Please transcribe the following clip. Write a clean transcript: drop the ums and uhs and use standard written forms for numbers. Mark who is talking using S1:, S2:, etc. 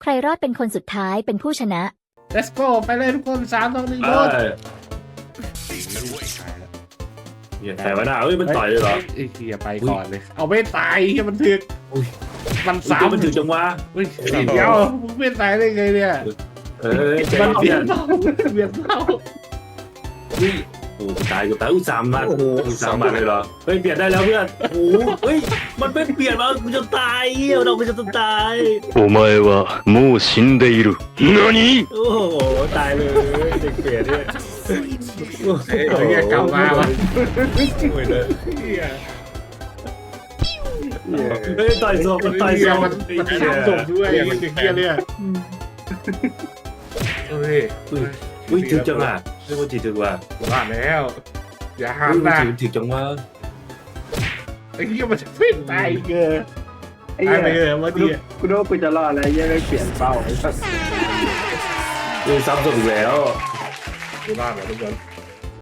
S1: ใครรอดเป็นคนสุดท้ายเป็นผู้ชนะ
S2: let's go ไปเลยทุกคน3-2-1โดน
S3: แต่ว่าหน้าเอ้ยมันต่อยเลยเหรอ
S2: ไอ้เหี้ยไปก่อนเลยเอาไม่ตายเหี้ยมันถึกมันสาม
S3: มันถึงจังวะ
S2: เฮ้ยเดี๋ยวมึงไม่ตายได้ไงเนี่ย มันเปลี่ยนเปลี่ยนเท่า
S3: โอ้ตายกูตาย3 บาทเลยเหรอเฮ้ยเปลี่ยนได้แล้วเพื่อนโอ้เฮ้ยมันไม่เปลี่ยนมากูจะตายเราไม่จะตาย
S4: お前はもう死んでいる。何？
S3: โอ้โหตายเลยเด็กเปลี่ยนเนี่ย
S2: เฮ้ยกลับมาวะ
S3: ไม่เลย
S2: เหี้ย
S3: เฮ้ยต่อยศพมันต่อยศพ
S2: มันทำศพด้วยไอ้เด็กเหี้ยเนี่ยเฮ้ย
S3: อุ้ยถึงจังอ่ะเรียกว่าถึงว่ะ
S2: ว่าแล้วอย่าห้ามนะ
S3: ถึงจังว่า
S2: ไอ้เหี้ยมันจะเป็นตายเกอ
S5: ไอ้เหี้
S2: ตายไป
S5: ย
S2: เลยเมื่อกี้
S5: กูนึกว่ากูจะรอดแล้วยังไม่เปลี่ยนเป้าไอ้สัส
S3: ซ้ำศพอีกแล้ว
S2: ดูบ้านนะทุกคน